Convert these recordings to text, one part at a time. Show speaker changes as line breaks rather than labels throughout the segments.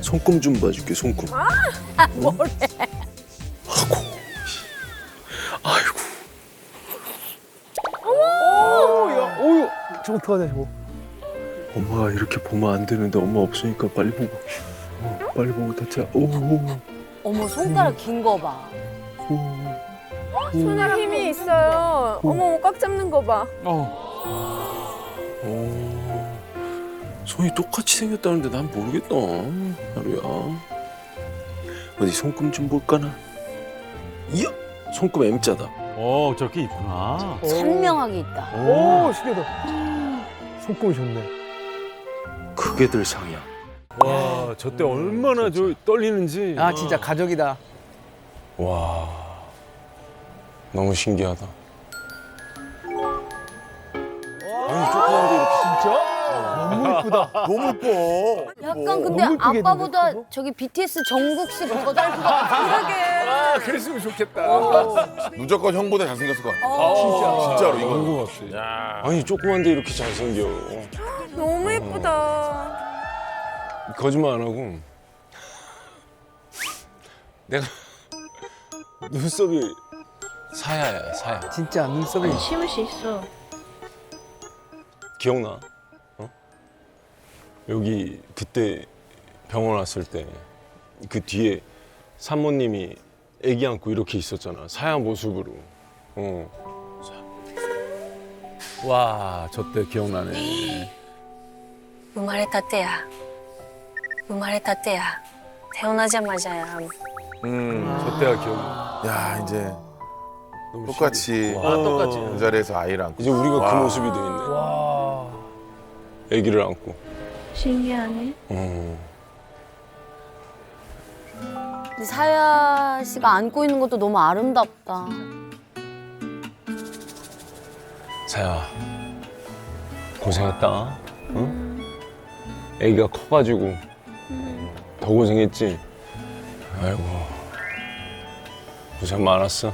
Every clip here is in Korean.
손금 좀 봐줄게, 손금.
뭐래?
아이고.
오유, 저거 어떡하냐 저거.
엄마가 이렇게 보면 안 되는데 엄마 없으니까 빨리 보고. 빨리 보고 다쳐. 오.
어머 손가락 긴 거 봐.
손에 힘이 있어요. 어머 꽉 잡는 거 봐.
손이 똑같이 생겼다는데 난 모르겠다. 하루야. 어디 손금 좀 볼까나? 이야, 손금 M자다.
저렇게 있구나.
선명하게 있다.
오, 신기하다. 손금이 좋네.
크게들 상이야.
와, 저 때 얼마나 저 떨리는지.
아, 진짜 가족이다.
와, 너무 신기하다. 아니 조그만데 이렇게
진짜? 너무 이쁘다.
너무 예뻐.
약간 근데
너무 이쁘게
아빠보다
했는데,
저기 BTS 정국 씨 더 닮은 것 같아.
아, 그랬으면 좋겠다.
무조건 형보다 잘생겼을 것 같아.
진짜.
진짜로 이거.
너무 같아.
아니 조그만데 이렇게 잘생겨.
너무 예쁘다.
거짓말 안 하고 내가 눈썹이 사야야, 사야.
진짜 눈썹이.
심을 수 있어.
기억나? 여기 그때 병원 왔을 때 그 뒤에 산모님이 아기 안고 이렇게 있었잖아. 사야 모습으로.
와, 저 때 기억나네.
生まれたてや。生まれたてや。 태어나자마자야.
저 때가 기억나.
야 이제
너무
똑같이
똑같이.
그 자리에서 아이를 안고.
이제 우리가
와.
그 모습이 돼 있네.
와.
아기를 안고.
신기하네.
근데 사야 씨가 안고 있는 것도 너무 아름답다.
사야 고생했다. 응? 아기가 커가지고 더 고생했지. 아이고 고생 많았어.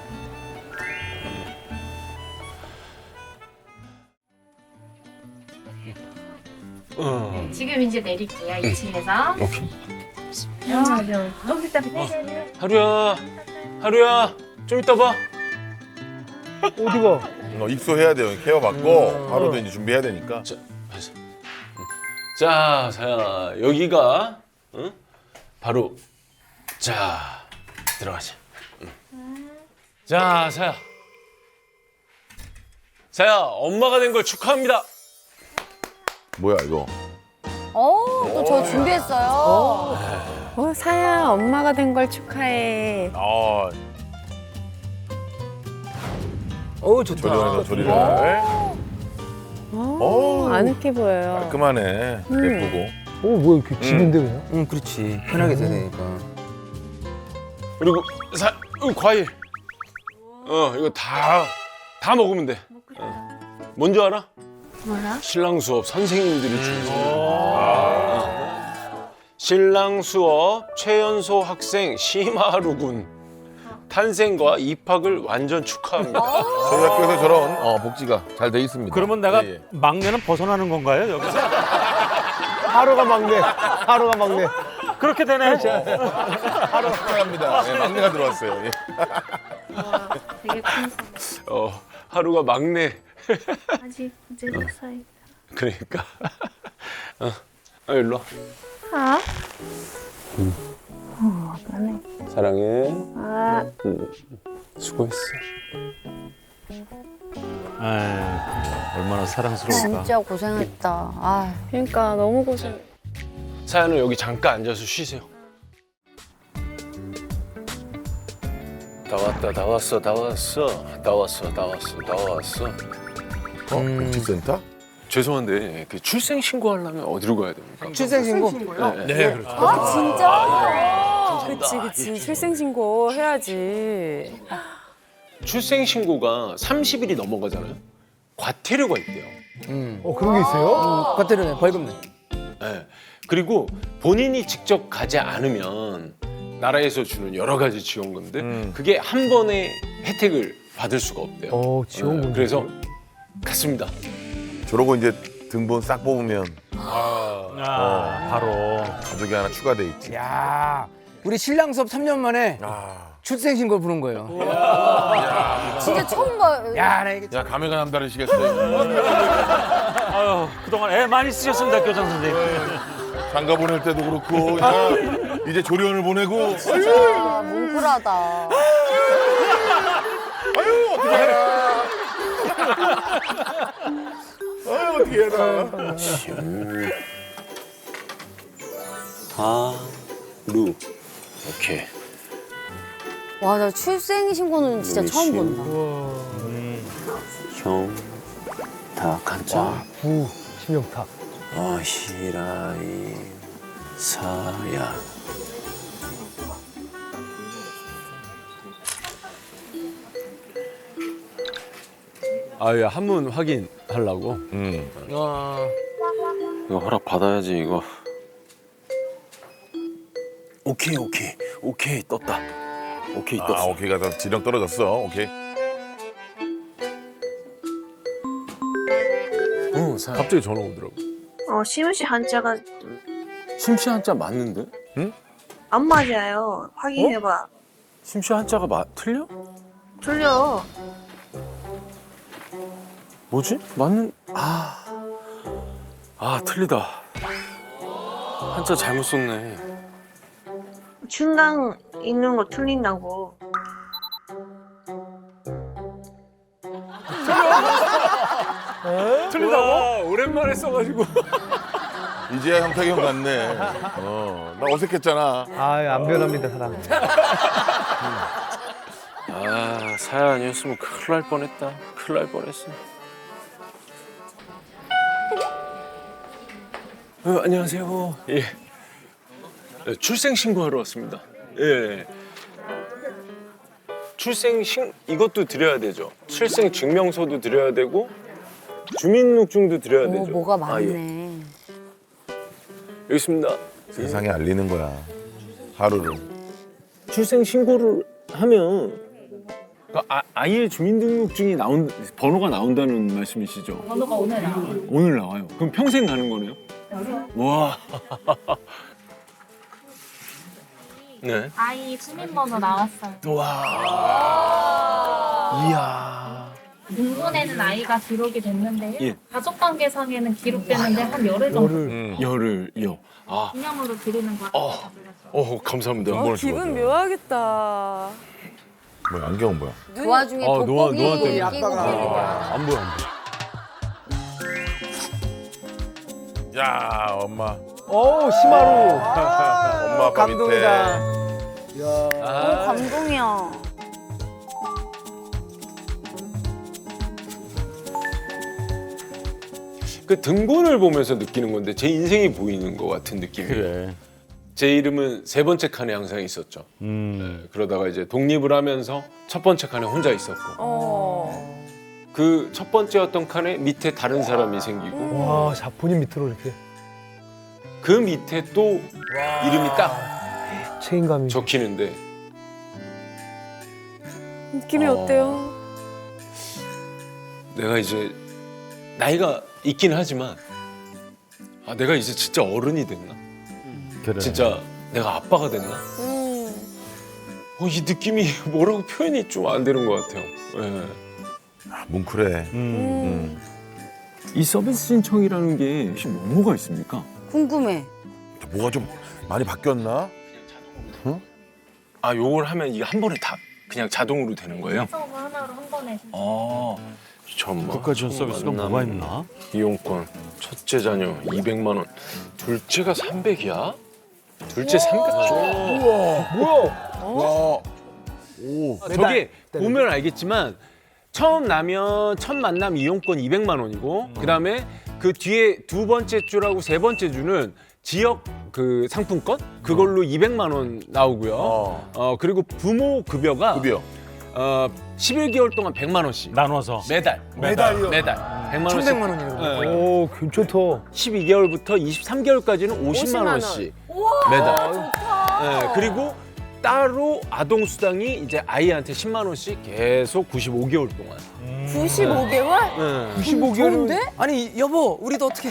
지금 이제 내릴게요. 2층에서.
오케이.
여기 있다.
하루야, 하루야, 좀 이따 봐.
어디가?
입소해야 돼요. 케어 받고 하루도 이제 준비해야 되니까.
자, 사야 여기가 바로 자 들어가자. 자, 사야. 사야, 엄마가 된 걸 축하합니다.
뭐야 이거?
또 저 준비했어요.
사야 엄마가 된 걸 축하해.
아
어, 좋다.
조리원에서 조리를.
아늑해 보여요.
깔끔하네. 예쁘고.
오, 뭐야, 이렇게 집인데 그냥?
응, 그렇지. 편하게 되니까.
그리고 과일. 이거 다 먹으면 돼. 뭔지 알아?
뭐라?
신랑 수업 선생님들이 주는 신랑 수업 최연소 학생 심하루 군 탄생과 입학을 완전 축하합니다.
저희 학교에서 저런 복지가 잘 돼 있습니다.
그러면 내가
예, 예.
막내는 벗어나는 건가요, 여기서?
하루가 막내. 하루가 막내.
그렇게 되네.
하루 축하합니다. 예, 막내가 들어왔어요. 예.
되게 큰
하루가 막내.
아직 0살.
그러니까. 일로 와.
아?
사랑해. 수고했어.
얼마나 사랑스러울까.
진짜 고생했다. 아,
그러니까 너무 고생.
사연은 여기 잠깐 앉아서 쉬세요. 다 왔다, 다 왔어, 다 왔어, 다 왔어, 다 왔어, 다 왔어.
복지센터?
죄송한데 그 출생 신고하려면 어디로 가야 됩니까?
출생신고?
네, 그렇죠.
아 진짜?
그치. 출생신고 해야지.
출생 신고가 30일이 넘어가잖아요. 과태료가 있대요.
그런 게 있어요?
과태료네, 벌금 내.
네. 그리고 본인이 직접 가지 않으면 나라에서 주는 여러 가지 지원금들 그게 한 번에 혜택을 받을 수가 없대요.
지원금.
그래서 갔습니다.
저러고 이제 등본 싹 뽑으면
바로.
가족이 하나 추가돼 있지.
야, 우리 신랑 수업 3년 만에 출생신고 부른 거예요.
진짜 처음 봐요.
야, 나 이게
야, 감회가 남다르시겠어요.
아유, 그동안 애 많이 쓰셨습니다, 교장 선생님.
장가 보낼 때도 그렇고 이제 조련을 보내고.
진짜 뭉클하다.
아유, 어떻게 해라. 아유, 어떻게 해라.
루. 오케이.
와, 나 출생신고는 진짜 처음 본다.
형. 다 간자.
부 심영탁.
히라이 사야.
아예 한문 확인하려고.
이거 허락 받아야지 이거. 오케이 떴다. 오케이 떴어.
오케이가 더 지령 떨어졌어. 오케이.
응, 사야.
갑자기 전화 오더라고.
시무시 한자가
심씨 한자 맞는데?
안 맞아요. 확인해봐.
심씨 한자가 틀려?
틀려.
뭐지? 맞는 틀리다. 한자 잘못 썼네.
중간 있는 거 틀린다고.
틀리다고? 오랜만에 써가지고.
이제야 형탁이 형 같네. 나 어색했잖아.
안 변합니다 사람.
사야 아니었으면 큰일 날 뻔했다. 큰일 날 뻔했어. 안녕하세요. 예. 출생 신고하러 왔습니다. 예. 이것도 드려야 되죠. 출생 증명서도 드려야 되고 주민등록증도 드려야 되죠.
뭐가
예.
많네.
여기 있습니다.
세상에 알리는 거야. 하루를.
출생 신고를 하면 아이의 주민등록증이 번호가 나온다는 말씀이시죠?
번호가 오늘 나와.
오늘 나와요. 그럼 평생 가는 거네요? 와. 네.
아이 주민번호 나왔어요.
이야.
등본에는 아이가 기록이 됐는데요.
예.
가족관계상에는 기록됐는데 한 열흘 정도
열을요.
기념으로 드리는 거.
감사합니다.
기분 묘하겠다.
뭐야, 안경은 뭐야?
그 와중에
노안
돋보기
때문에.
끼고 계시더라.
안 보여.
야, 엄마.
시마루.
엄마 아빠 밑에.
감동이야.
그 등본을 보면서 느끼는 건데 제 인생이 보이는 것 같은 느낌이에요.
그래.
제 이름은 세 번째 칸에 항상 있었죠. 그러다가 이제 독립을 하면서 첫 번째 칸에 혼자 있었고 그 첫 번째였던 칸에 밑에 다른 사람이 생기고
와, 본인 밑으로 이렇게
그 밑에 또 이름이 딱
책임감이.
적히는데
느낌이 어때요?
내가 이제 나이가 있긴 하지만 내가 이제 진짜 어른이 됐나?
그래.
진짜 내가 아빠가 됐나? 이 느낌이 뭐라고 표현이 좀 안 되는 것 같아요. 예.
뭉클해.
이 서비스 신청이라는 게 혹시 뭐가 있습니까?
궁금해.
뭐가 좀 많이 바뀌었나?
요걸 하면 이게 한 번에 다 그냥 자동으로 되는 거예요?
서브 하나로 한 번에.
잠깐만.
국가지원 서비스가 뭐가 있나?
이용권, 첫째 자녀 200만 원, 둘째가 300이야? 둘째 300줘?
와.
저기 보면 알겠지만 처음 나면 첫 만남 이용권 200만 원이고 그다음에 그 뒤에 두 번째 주라고 세 번째 주는 지역 그 상품권 그걸로 200만 원 나오고요. 그리고 부모 급여가
급여.
11개월 동안 100만 원씩
나눠서.
매달.
매달이요?
매달. 100만 원씩.
1,100만 원이라고.
네.
오, 괜찮다.
12개월부터 23개월까지는 50만 원씩 매달. 네, 그리고 따로 아동 수당이 이제 아이한테 10만 원씩 계속 95개월 동안.
95개월?
네.
95개월. 아니 여보, 우리도 어떻게?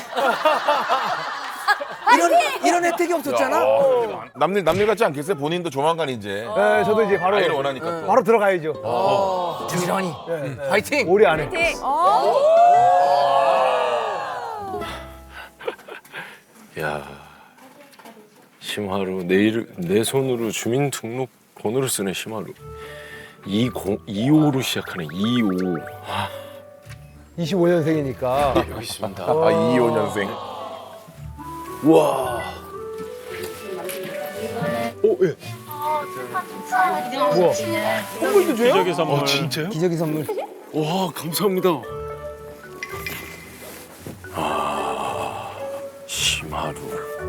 이런 혜택이 없었잖아.
남일 같지 않겠어요? 본인도 조만간 이제
네, 저도 이제 바로
아이를 원하니까 또.
바로 들어가야죠.
부지런히.
네.
파이팅.
올해 안에.
야, 심하루 내 손으로 주민등록 번호를 쓰네 심하루. 25로 시작하네 25.
25년생이니까.
여기 있습니다.
아 25년생.
와. 오 예.
선물도 줘요?
기적의 선물.
진짜요?
기저귀 선물.
와 감사합니다. 아 심하루.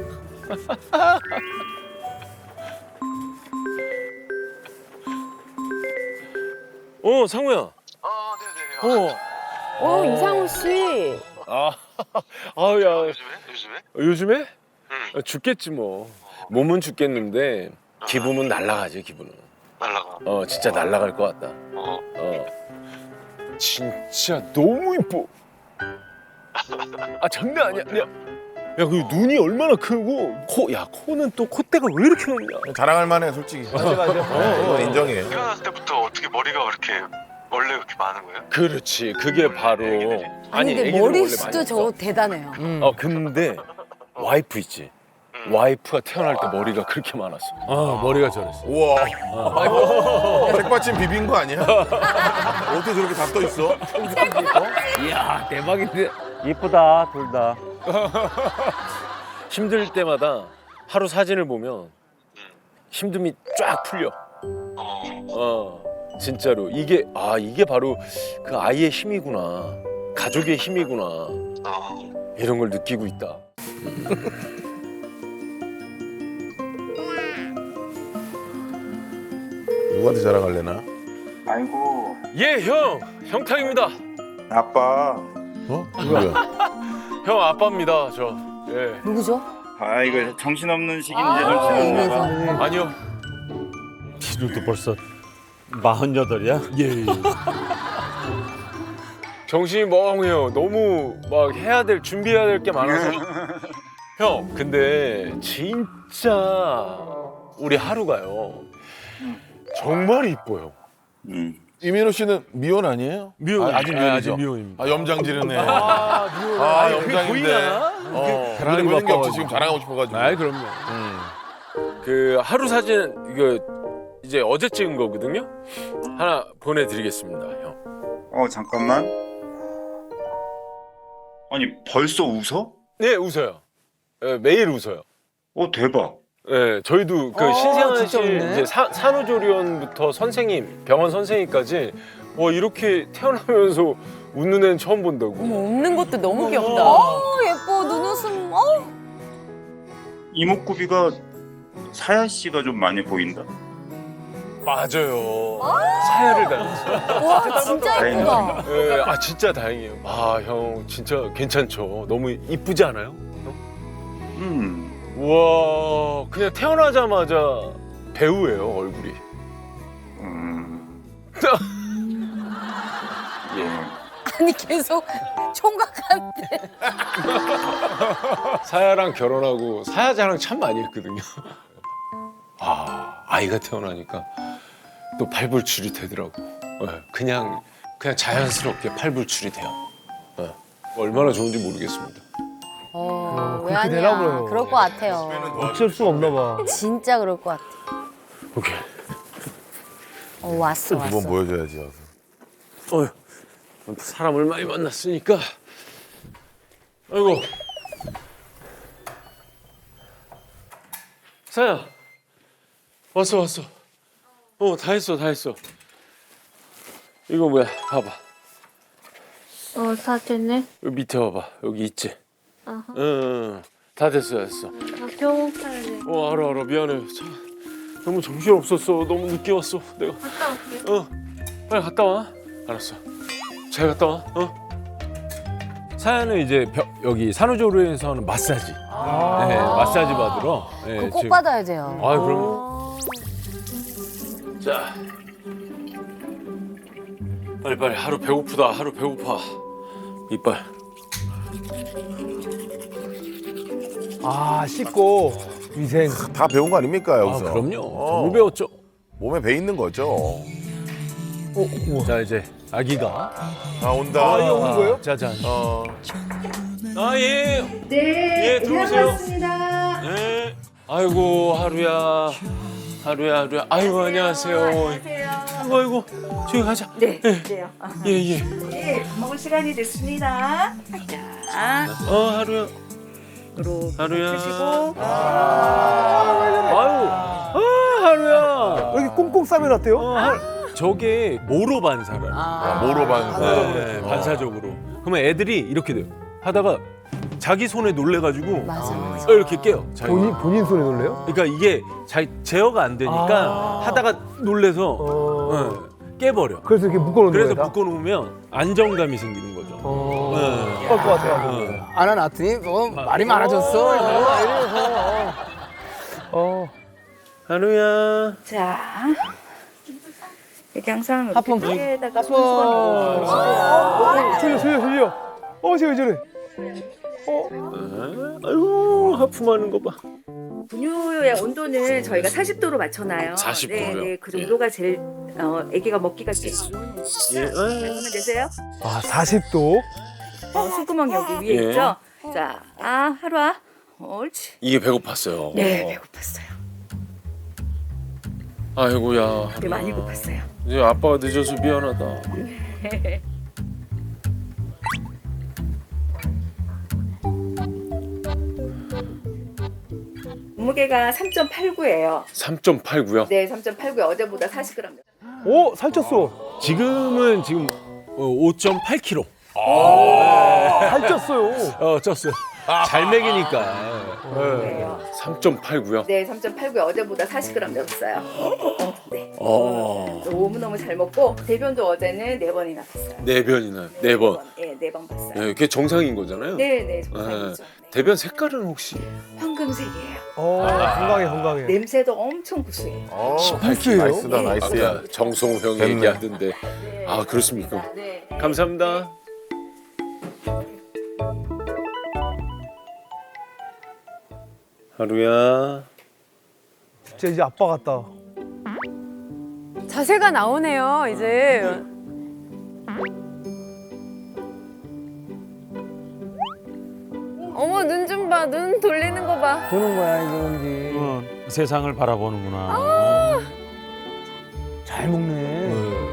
상우야.
이상우 씨.
아야. 요즘에? 죽겠지 뭐. 몸은 죽겠는데 기분은 날아가지 기분은.
날라가.
진짜 날아갈 것 같다. 진짜 너무 이뻐. 장난 아니야. 야, 그 눈이 얼마나 크고 코는 또 콧대가 왜 이렇게 높냐?
자랑할 만해 솔직히.
맞아.
이건 인정해.
태어났을 때부터 어떻게 머리가 그렇게 원래 그렇게 많은 거예요?
그렇지, 그게 바로.
아니 근데
애기들은 원래
머리숱도
많이
저거
없어.
대단해요.
근데 와이프 있지. 와이프가 태어날 때 머리가 그렇게 많았어.
머리가 저랬어.
우와. 책받침 비빈 거 아니야? 어떻게 저렇게 다 떠 있어?
이야 대박인데.
이쁘다 둘 다.
힘들 때마다 하루 사진을 보면 힘듦이 쫙 풀려. 진짜로 이게 바로 그 아이의 힘이구나, 가족의 힘이구나, 이런 걸 느끼고 있다.
누구한테 자랑할래나?
아이고
예, 형탁입니다.
아빠.
누구야?
형 아빠입니다, 저. 예.
누구죠?
아 이거 정신없는 시기인데 정신없나 봐.
아니요.
지루도 벌써 48이야?
예.
정신이 멍해요. 너무 막 준비해야 될 게 많아서. 형, 근데 진짜 우리 하루가요. 정말 이뻐요.
이민호 씨는 미혼 아니에요?
미혼.
아직 미혼이죠.
아직 미혼입니다.
염장 지르네.
미혼.
염장인데.
자랑이
눈에 보이는 게 없지
바빠가지고.
지금 자랑하고 싶어가지고.
그럼요.
그 하루 사진 이거 이제 어제 찍은 거거든요. 하나 보내드리겠습니다, 형.
잠깐만. 아니 벌써 웃어?
네, 웃어요. 매일 웃어요.
대박.
네, 저희도 그 신생아
진짜
씨
웃네.
이제 산후조리원부터 선생님, 병원 선생님까지 이렇게 태어나면서 웃는 애는 처음 본다고.
웃는 것도 너무 귀엽다.
예뻐 눈웃음.
이목구비가 사야 씨가 좀 많이 보인다.
맞아요. 사야를 닮았어요.
와 진짜 예쁘다.
네, 진짜 다행이에요. 형 진짜 괜찮죠. 너무 이쁘지 않아요? 우와, 그냥 태어나자마자 배우예요, 얼굴이. 예.
아니 계속 총각한테.
사야랑 결혼하고 사야 자랑 참 많이 했거든요. 아이가 태어나니까 또 팔불출이 되더라고. 그냥 자연스럽게 팔불출이 돼요. 얼마나 좋은지 모르겠습니다.
왜
그렇게
아니야?
되나 보네요.
그럴 것 같아요.
어쩔 수 없나 봐.
진짜 그럴 것 같아.
오케이.
왔어.
두 번 보여줘야지.
사람을 많이 만났으니까. 아이고. 사야. 왔어. 다 했어. 이거 뭐야? 봐봐.
사진을?
여기 밑에 봐봐. 여기 있지? 응. 다 됐어.
병원 가야 돼.
알아. 미안해. 너무 정신 없었어. 너무 늦게 왔어. 내가.
갔다 올게.
빨리 갔다 와. 알았어. 잘 갔다 와.
사연은 이제 여기 산후조리원에서는 마사지. 네, 마사지 받으러. 네,
그거 꼭
지금-
받아야 돼요.
그럼. 자, 빨리빨리. 하루 배고프다. 하루 배고파. 이빨.
아 씻고 위생.
다 배운 거 아닙니까
아,
여기서?
그럼요. 정말 배웠죠.
몸에 배 있는 거죠.
자, 이제 아기가.
아 온다.
아 이거 오는 거예요?
짜잔.
아, 예.
네,
예, 들어오세요.
반갑습니다.
네. 아이고, 하루야. 하루야. 아이고, 안녕하세요. 아이고, 저기 가자.
네, 네요.
예, 예.
네, 밥 먹을 시간이 됐습니다. 자,
하루야.
이렇게
하루야.
드시고.
아유, 하루야.
여기 꽁꽁 싸매놨대요?
저게 모로 반사라.
모로 반사.
네, 반사적으로. 그러면 애들이 이렇게 돼요. 하다가 자기 손에 놀래가지고
맞아.
이렇게 깨요. 자기가.
본인 손에 놀래요?
그러니까 이게 제어가 안 되니까 하다가 놀래서 깨버려.
그래서 이렇게 묶어놓는
그래서
거예요?
묶어놓으면 안정감이 생기는 거죠. 네.
그럴 것 같아요.
안아놨더니 말이 많아졌어.
하루야.
자, 이렇게 항상
하품.
에다가 손수건 넣어주세요.
졸려. 쟤 왜 저래?
아이고, 하품하는 거 봐.
분유의 온도는 저희가 40도로 맞춰놔요.
40
네,
도로요?
네, 그 정도가 제일 아기가 먹기가 제일 좋은.
예.
그러면 되세요?
아 40도?
손구멍 여기 위에
예.
있죠? 자, 하루아. 옳지.
이게 배고팠어요.
네, 배고팠어요.
아이고야.
네, 많이 고팠어요.
이제 아빠가 늦어서 미안하다.
몸무게가 3.89예요.
3.89요?
네, 3.89. 어제보다 40g.
오 살쪘어.
지금 5.8kg.
살쪘어요.
쪘어요. 잘 먹이니까.
3.89요?
네, 3.89. 어제보다 40g 늘었어요. 네. 너무너무 잘 먹고 대변도 어제는 4번이나 봤어요.
4변이나 4번.
네, 4번 봤어요.
예, 그게 정상인 거잖아요?
네, 네, 정상이죠. 네.
대변 색깔은 혹시?
황금색이에요.
건강해.
냄새도 엄청 구수해요.
18kg.
나이스다 나이스야.
아까 정성우 형이
됐네.
얘기하던데. 아, 그렇습니까?
네.
감사합니다. 하루야.
진짜 이제 아빠 같다.
자세가 나오네요, 이제. 어머, 눈 좀 봐. 눈 돌리는 거 봐.
보는 거야 이게 뭔지.
세상을 바라보는구나.
잘 먹네.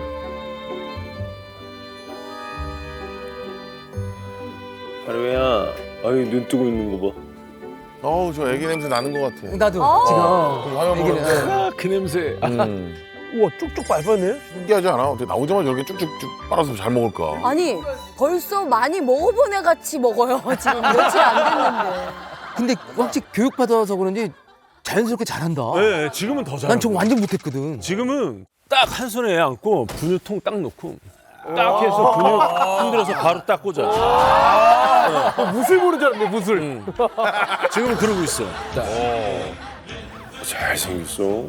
하루야. 아유, 눈 뜨고 있는 거 봐.
저 애기 냄새 나는 것 같아.
나도 지금
화면
얘기는.
아, 그 냄새.
우와 쭉쭉 밟았네.
신기하지 않아? 어떻게 나오자마자 이렇게 쭉쭉쭉 빨아서 잘 먹을까?
아니 벌써 많이 먹어본 애 같이 먹어요. 지금 며칠 안 됐는데.
근데 확실히 교육받아서 그런지 자연스럽게 잘한다.
네, 지금은 더 잘해.
난 저거 완전 못했거든.
지금은 딱 한 손에 애 안고 분유통 딱 놓고 딱 해서 분유 흔들어서 바로 딱 꽂아.
무술 보는 줄 알았네 무술.
지금은 그러고 있어. 딱.
잘생겼어.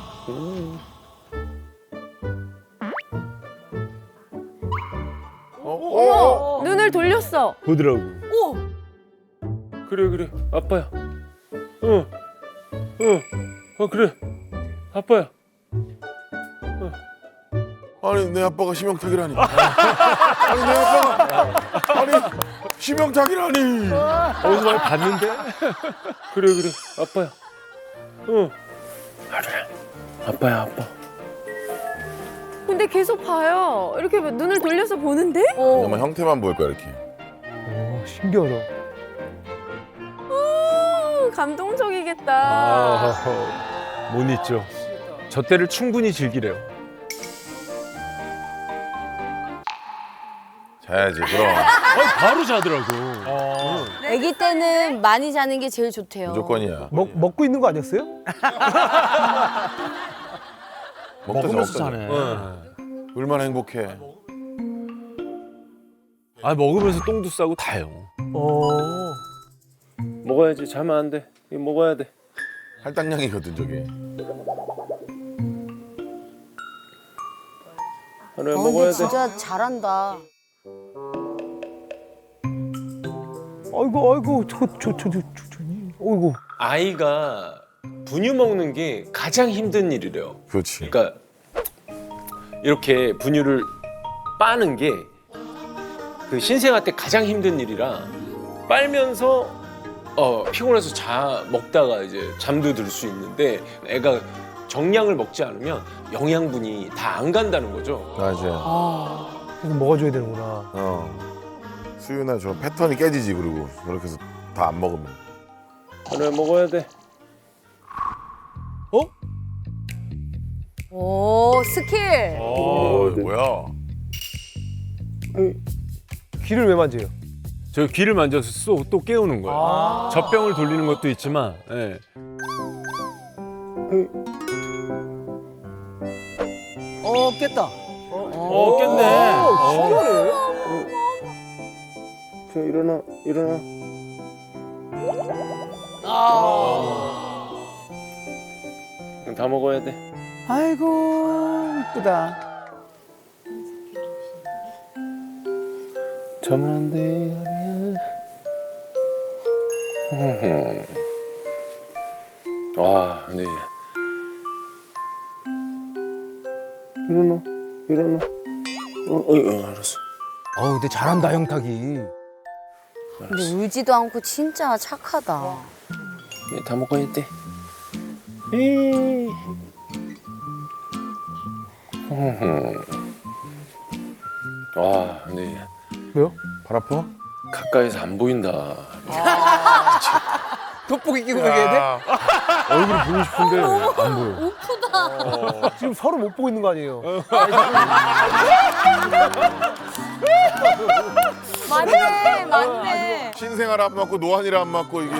어머, 눈을 돌렸어.
보더라고.
그래. 아빠야. 그래. 아빠야.
아니 내 아빠가 심형탁이라니. 아니 내 아빠가 심형탁이라니.
어디서 많이 봤는데?
그래. 아빠야. 하루야. 아빠야, 아빠.
근데 계속 봐요. 이렇게 눈을 돌려서 보는데?
정말 형태만 보일 거야 이렇게.
신기하다.
감동적이겠다.
못 잊죠. 저 때를 충분히 즐기래요.
자야지 그럼.
바로 자더라고.
아기 때는 많이 자는 게 제일 좋대요.
무조건이야.
먹고 있는 거 아니었어요?
먹으면서 자네.
얼마나 행복해.
아, 먹으면서 똥도 싸고 다요.
먹어야지. 자면 안 돼. 이거 먹어야 돼.
할당량이거든 저게.
하루야
근데
먹어야 돼.
진짜 잘한다.
아이고 어이구.
아이가 분유 먹는 게 가장 힘든 일이래요.
그렇지.
그러니까 이렇게 분유를 빠는 게 그 신생아 때 가장 힘든 일이라 빨면서 피곤해서 먹다가 이제 잠도 들 수 있는데 애가 정량을 먹지 않으면 영양분이 다 안 간다는 거죠.
맞아.
계속 먹어줘야 되는구나.
수유나 저 패턴이 깨지지. 그리고 그렇게 해서 다 안 먹으면.
하루에 먹어야 돼.
오 스킬.
뭐야?
귀를 왜 만져요?
저 귀를 만져서 또 깨우는 거예요. 젖병을 돌리는 것도 있지만. 예.
깼다.
깼네.
신기하네.
자 일어나. 다 먹어야 돼.
아이고 이쁘다.
잠은 안 돼. 와, 네. 일어나. 알았어.
근데 잘한다 영탁이.
근데 울지도 않고 진짜 착하다.
네, 다 먹어야 돼. 에이. 와, 네.
왜요?
발 아파?
가까이서 안 보인다.
돋보기 끼고 얘기해야 돼?
얼굴이 보고 싶은데 안 보여.
우프다.
지금 서로 못 보고 있는 거 아니에요?
맞네.
신생아를 안 맞고 노안이를 안 맞고 이게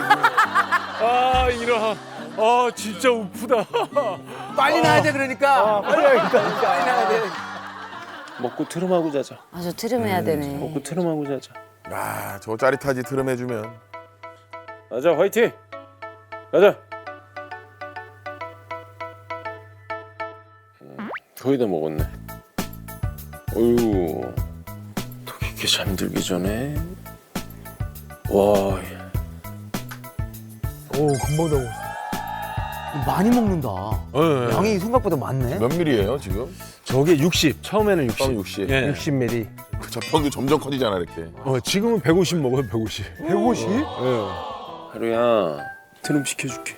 진짜 우프다.
빨리 나야 돼 그러니까.
빨리 해야겠다.
빨리 나야 돼.
먹고 트름하고 자자.
저 트름해야 되네.
먹고 트름하고 자자.
저 짜릿하지. 트름 해주면.
가자, 화이팅! 가자. 거의 다 먹었네. 어휴, 더 깊게 잠들기 전에. 와,
오 금방 다 먹었어.
많이 먹는다.
예.
양이 생각보다 많네.
몇 밀이에요 지금?
저게 60. 처음에는 60.
처음 60.
예.
60ml.
그 젖병도 점점 커지잖아 이렇게.
지금은 150 먹어요, 150.
150?
예.
하루야, 트름 시켜줄게.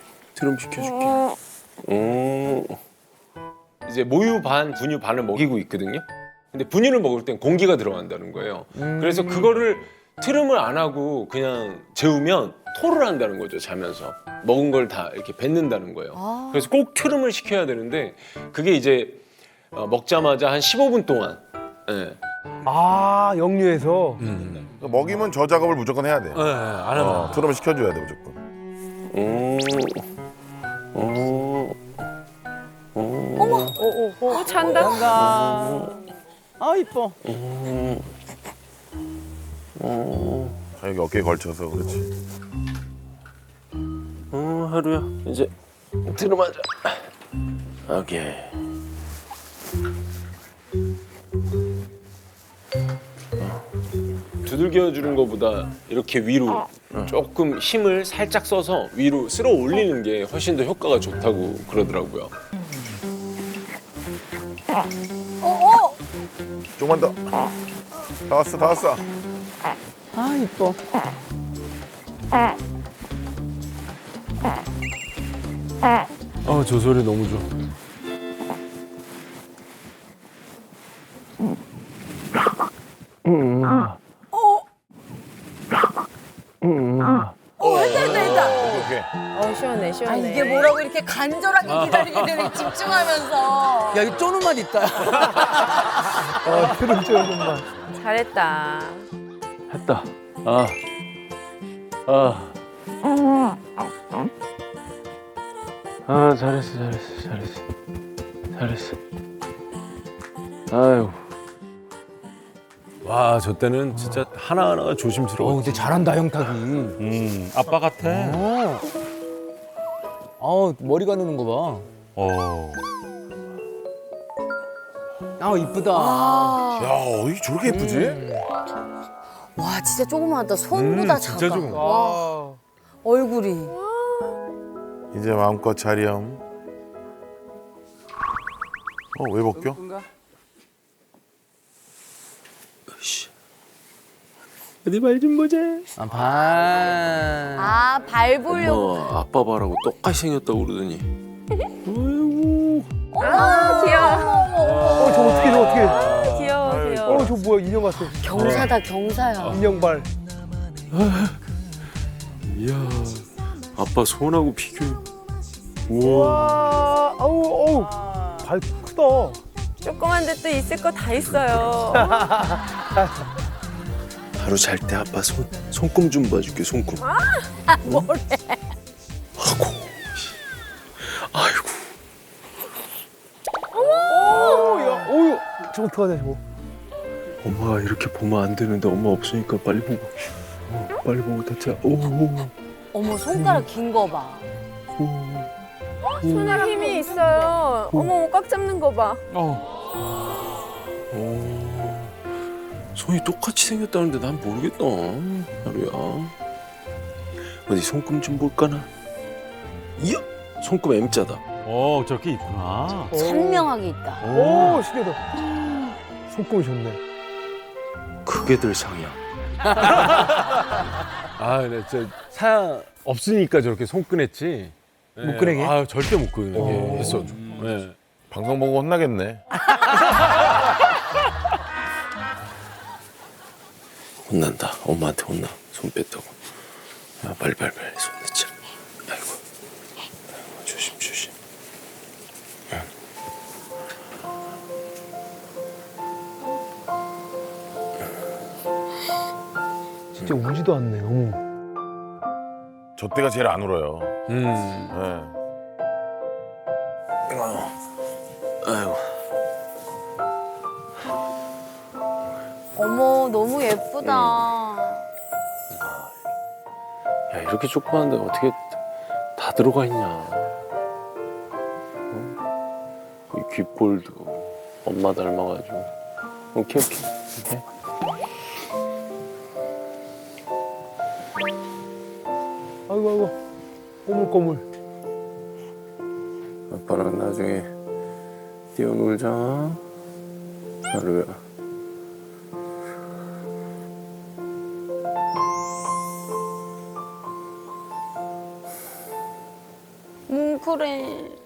이제 모유 반, 분유 반을 먹이고 있거든요. 근데 분유를 먹을 땐 공기가 들어간다는 거예요. 그래서 그거를 트름을 안 하고 그냥 재우면 토를 한다는 거죠, 자면서. 먹은 걸 다 이렇게 뱉는다는 거예요. 그래서 꼭 트름을 시켜야 되는데 그게 이제 먹자마자 한 15분 동안. 예.
역류해서.
먹이면 저 작업을 무조건 해야 돼.
안 하면.
트름을 시켜줘야 돼 무조건.
잔다.
이뻐.
여기 어깨에 걸쳐서 그렇지.
하루야, 이제 트름하자. 오케이. 두들겨 주는 것보다 이렇게 위로 조금 힘을 살짝 써서 위로 쓸어 올리는 게 훨씬 더 효과가 좋다고 그러더라고요.
조금만 더. 다 왔어.
이뻐.
저 소리 너무 좋아.
오케이.
시원해.
이게 뭐라고 이렇게 간절하게 기다리게 되는 집중하면서.
야, 이 쪼는 맛 있다.
트름 쪼는만.
잘했다.
했다. 잘했어. 아유.
와, 저 때는 진짜 하나하나가 조심스러워.
근데 잘한다 형탁이.
아빠 같아.
머리 가누는 거 봐. 아 이쁘다.
야, 어이 저렇게 예쁘지?
와 진짜 조그마하다. 손보다 작아.
진짜 조그마.
와. 얼굴이.
이제 마음껏 자렴. 왜 벗겨?
어디 말 좀 보자.
아 반.
아 발 보려고.
아빠 봐라고 똑같이 생겼다고 그러더니.
아, 귀여워.
저 어떻게 저 어떻게?
귀여워, 귀여워.
저 뭐야 인형 같아.
경사다 경사야.
인형발.
이야, 아빠 손하고 비교해.
와, 아우, 발 크다.
조그만데 또 있을 거 다 있어요.
하루 잘 때 아빠 손금 좀 봐줄게, 손금.
뭐래?
아이고.
어우, 저거 어떡하냐 저거.
엄마가 이렇게 보면 안 되는데 엄마 없으니까 빨리 보고. 빨리 보고 다치야.
어머 손가락 긴 거 봐.
손에 힘이 있어요. 어머, 꽉 잡는 거 봐.
손이 똑같이 생겼다는데 난 모르겠다. 하루야. 어디 손금 좀 볼까나? 이야, 손금 M자다.
저렇게 있구나.
선명하게 있다.
오, 신기하다. 손금이 좋네.
크게들 상이야.
아, 근데 진짜 사 없으니까 저렇게 손 꺼냈지.
못 꺼내게?
아, 절대 못 꺼내게 했어. 네.
방송 보고 혼나겠네.
혼난다. 엄마한테 혼나. 손 뺐다고. 야, 빨리 손 넣자. 아이고. 조심.
진짜 울지도 않네. 어머.
저 때가 제일 안 울어요. 네.
아이고.
어머 너무 예쁘다.
야, 이렇게 조그만데 어떻게 다 들어가 있냐. 이 귓볼도 엄마 닮아가지고. 오케이.
아이고. 꼬물꼬물.
아빠랑 나중에 뛰어놀자. 하루야.
뭉클해.